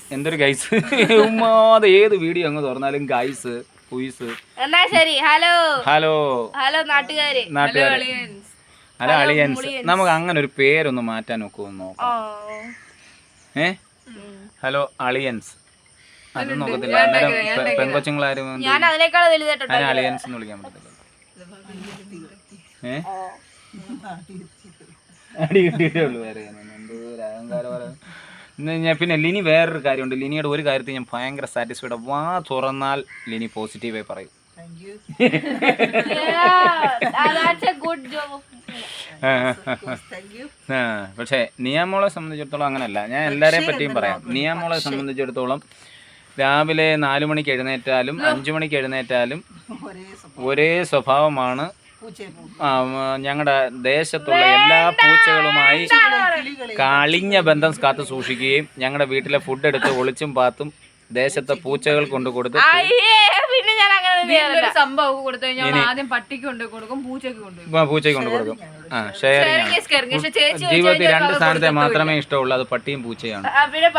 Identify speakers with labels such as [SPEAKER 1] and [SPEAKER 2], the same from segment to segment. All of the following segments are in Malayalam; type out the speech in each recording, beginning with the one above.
[SPEAKER 1] എന്തൊരു ഗൈസ് ഉമ്മാതെ ഏത് വീഡിയോ അങ്ങ് തുറന്നാലും ഗൈസ് കുയിസ്.
[SPEAKER 2] എന്നാ ശരി. ഹലോ
[SPEAKER 1] ഹലോ
[SPEAKER 2] ഹലോ നാട്ടുകാരെ.
[SPEAKER 1] ഹലോ അളിയൻസ്. നമുക്ക് അങ്ങനെ ഒരു പേരൊന്ന് മാറ്റാൻ നോക്കുമോ നോക്കാം. ഹലോ അളിയൻസ് അത് നോക്കത്തില്ല. അന്നേരം പെൺകൊച്ചുങ്ങളാരും
[SPEAKER 2] ഞാൻ അതിനേക്കാൾ വലുതായിട്ടുണ്ട്.
[SPEAKER 1] അതിനെ അളിയൻസ് എന്ന് വിളിക്കാൻ പറ്റത്തില്ല. അടി കിട്ടിയിട്ടേ ഉള്ളൂ. വേറെ എന്തോ അഹങ്കാരം. പിന്നെ ലിനി വേറൊരു കാര്യമുണ്ട്. ലിനിയുടെ ഒരു കാര്യത്തിൽ ഞാൻ ഭയങ്കര സാറ്റിസ്ഫൈഡ്. വാ തുറന്നാൽ ലിനി പോസിറ്റീവായി പറയും. പക്ഷേ നിയാമോളെ സംബന്ധിച്ചിടത്തോളം അങ്ങനെയല്ല. ഞാൻ എല്ലാവരെയും പറ്റിയും പറയാം. നിയാമോളെ സംബന്ധിച്ചിടത്തോളം രാവിലെ 4 മണിക്ക് എഴുന്നേറ്റാലും 5 മണിക്ക് എഴുന്നേറ്റാലും ഒരേ സ്വഭാവമാണ്. ഞങ്ങളുടെ ദേശത്തുള്ള എല്ലാ പൂച്ചകളുമായി കളിഞ്ഞ ബന്ധം കാത്തു സൂക്ഷിക്കുകയും ഞങ്ങളുടെ വീട്ടിലെ ഫുഡ് എടുത്ത് ഒളിച്ചും പാത്തും ദേശത്തെ പൂച്ചകൾ കൊണ്ട് കൊടുത്ത്
[SPEAKER 3] സംഭവം കൊടുത്തു കഴിഞ്ഞാൽ ആദ്യം പട്ടിക്ക് കൊണ്ട് കൊടുക്കും, പൂച്ചയ്ക്ക് കൊണ്ട് കൊടുക്കും.
[SPEAKER 1] ജീവിതത്തിൽ 2 സ്ഥാനത്തെ മാത്രമേ ഇഷ്ടമുള്ളൂ. അത് പട്ടിയും പൂച്ചയാണ്.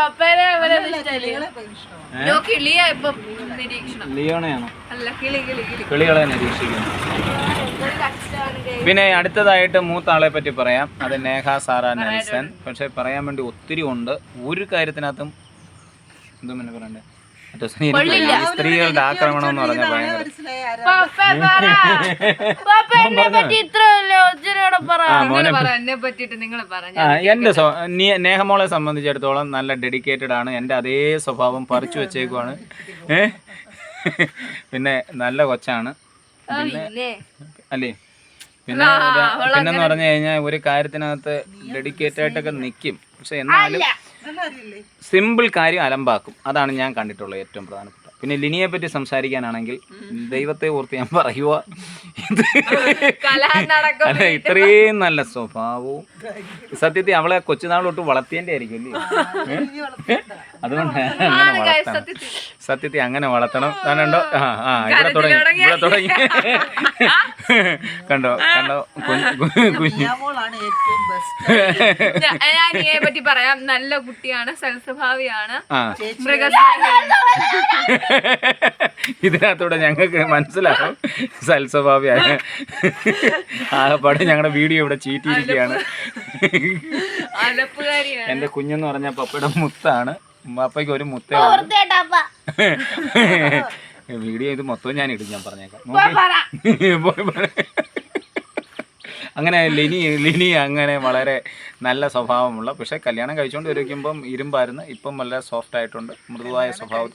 [SPEAKER 1] ലിയോണയാണോ? കിളികളെ നിരീക്ഷിക്കുന്നു. പിന്നെ അടുത്തതായിട്ട് മൂത്ത ആളെ പറ്റി പറയാം. അത് നേഹ സാറ നെൽസൺ. പക്ഷെ പറയാൻ വേണ്ടി ഒത്തിരി ഉണ്ട്. ഒരു കാര്യത്തിനകത്തും എന്തോ പിന്നെ പറയണ്ടേ, സ്ത്രീകളുടെ ആക്രമണം എന്ന് പറഞ്ഞാൽ എന്റെ നേഹമോളെ സംബന്ധിച്ചിടത്തോളം നല്ല ഡെഡിക്കേറ്റഡ് ആണ്. എന്റെ അതേ സ്വഭാവം പറിച്ചു വെച്ചേക്കുവാണ്. പിന്നെ നല്ല കൊച്ചാണ്. പിന്നെ അല്ലേ, പിന്നെന്ന് പറഞ്ഞു കഴിഞ്ഞാൽ ഒരു കാര്യത്തിനകത്ത് ഡെഡിക്കേറ്റഡ് ആയിട്ടൊക്കെ നിൽക്കും. പക്ഷെ എന്നാലും സിമ്പിൾ കാര്യം അലമ്പാക്കും. അതാണ് ഞാൻ കണ്ടിട്ടുള്ളത് ഏറ്റവും പ്രധാനപ്പെട്ട. പിന്നെ ലിനിയെ പറ്റി സംസാരിക്കാനാണെങ്കിൽ ദൈവത്തെ ഓർത്ത് ഞാൻ പറയുക, അല്ല ഇത്രയും നല്ല സ്വഭാവവും സത്യത്തിൽ അവളെ കൊച്ചുനാൾ തൊട്ട് വളർത്തിയതിൻ്റെ ആയിരിക്കും അല്ലേ. അതുകൊണ്ട് അങ്ങനെ വളർത്തണം, സത്യത്തിൽ അങ്ങനെ വളർത്തണം. കണ്ടോ ഇവിടെ തുടങ്ങി കണ്ടോ കുഞ്ഞു
[SPEAKER 3] പറ്റി പറയാം. നല്ല കുട്ടിയാണ്, സൽസ്വഭാവിയാണ്,
[SPEAKER 1] ഇതിനകത്തൂടെ ഞങ്ങൾക്ക് മനസ്സിലാവും സൽസ്വഭാവിയാണ്. ആകപ്പാടെ ഞങ്ങളുടെ വീഡിയോ ഇവിടെ ചീറ്റിയിരിക്കുകയാണ്. എന്റെ കുഞ്ഞെന്ന് പറഞ്ഞ പപ്പയുടെ മുത്താണ്. പപ്പയ്ക്ക് ഒരു മുത്തേ വീഡിയോ ഇത് മൊത്തം ഞാൻ ഇടും. ഞാൻ പറഞ്ഞേക്കാം. അങ്ങനെ ലിനി അങ്ങനെ വളരെ നല്ല സ്വഭാവമുള്ള, പക്ഷേ കല്യാണം കഴിച്ചുകൊണ്ട് ഇരിക്കുമ്പം ഇരുമ്പായിരുന്നു. ഇപ്പം വളരെ സോഫ്റ്റ് ആയിട്ടുണ്ട്, മൃദുവായ സ്വഭാവം.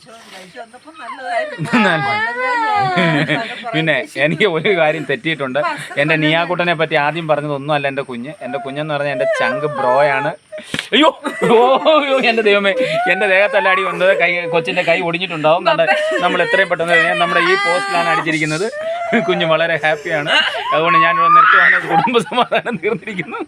[SPEAKER 1] പിന്നെ എനിക്ക് ഒരു കാര്യം തെറ്റിയിട്ടുണ്ട്. എൻ്റെ നിയാക്കുട്ടനെ പറ്റി ആദ്യം പറഞ്ഞതൊന്നും അല്ല എൻ്റെ കുഞ്ഞെന്ന് പറഞ്ഞാൽ എൻ്റെ ചങ്ക് ബ്രോയാണ്. അയ്യോ എൻ്റെ ദൈവമേ, എൻ്റെ ദേഹത്തല്ലാടി വന്നത് കൊച്ചിൻ്റെ കൈ ഒടിഞ്ഞിട്ടുണ്ടാവും. നമ്മൾ എത്രയും പെട്ടെന്ന് നമ്മുടെ ഈ പോസ്റ്റിലാണ് അടിച്ചിരിക്കുന്നത്. കുഞ്ഞ് വളരെ ഹാപ്പിയാണ്. അതുകൊണ്ട് ഞാനിവിടെ നിർത്തുവാണ്. കുടുംബ സമാധാനം തീർന്നിരിക്കുന്നു.